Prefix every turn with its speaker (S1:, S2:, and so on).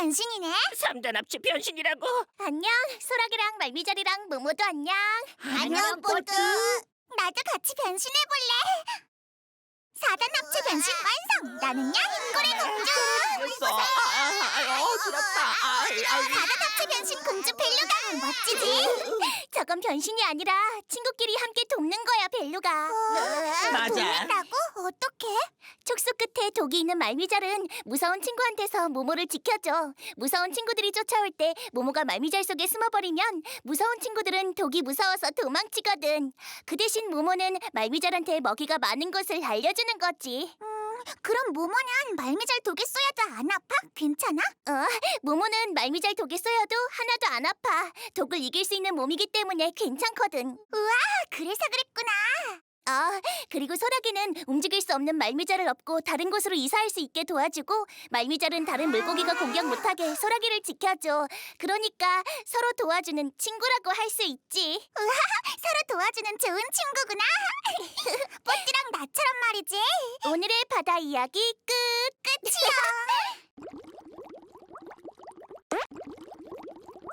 S1: 변신이네.
S2: 3단 합체 변신이라고?
S1: 안녕, 소라기랑 말미잘이랑 모모도 안녕.
S3: 안녕, 뽀뚜.
S1: 나도 같이 변신해볼래. 4단 합체 변신 완성. 나는야 흰고래 공주.
S2: 어지럽다.
S1: 4단 합체 변신 공주 벨루가 멋지지? 저건 변신이 아니라 친구끼리 함께 돕는 거야, 벨루가.
S2: 맞아.
S1: 돕는다고? 어떻게? 촉수 끝에 독이 있는 말미잘은 무서운 친구한테서 모모를 지켜줘. 무서운 친구들이 쫓아올 때 모모가 말미잘 속에 숨어버리면 무서운 친구들은 독이 무서워서 도망치거든. 그 대신 모모는 말미잘한테 먹이가 많은 곳을 알려주는 거지. 그럼 모모는 말미잘 독에 쏘여도 안 아파? 괜찮아? 모모는 말미잘 독에 쏘여도 하나도 안 아파. 독을 이길 수 있는 몸이기 때문에 괜찮거든. 우와, 그래서 그랬구나. 그리고 소라기는 움직일 수 없는 말미잘을 업고 다른 곳으로 이사할 수 있게 도와주고, 말미잘은 다른 물고기가 공격 못하게 소라기를 지켜줘. 그러니까 서로 도와주는 친구라고 할 수 있지. 우와, 서로 도와주는 좋은 친구구나. 뽀띠랑 나처럼 말이지. 오늘의 바다 이야기 끝이야.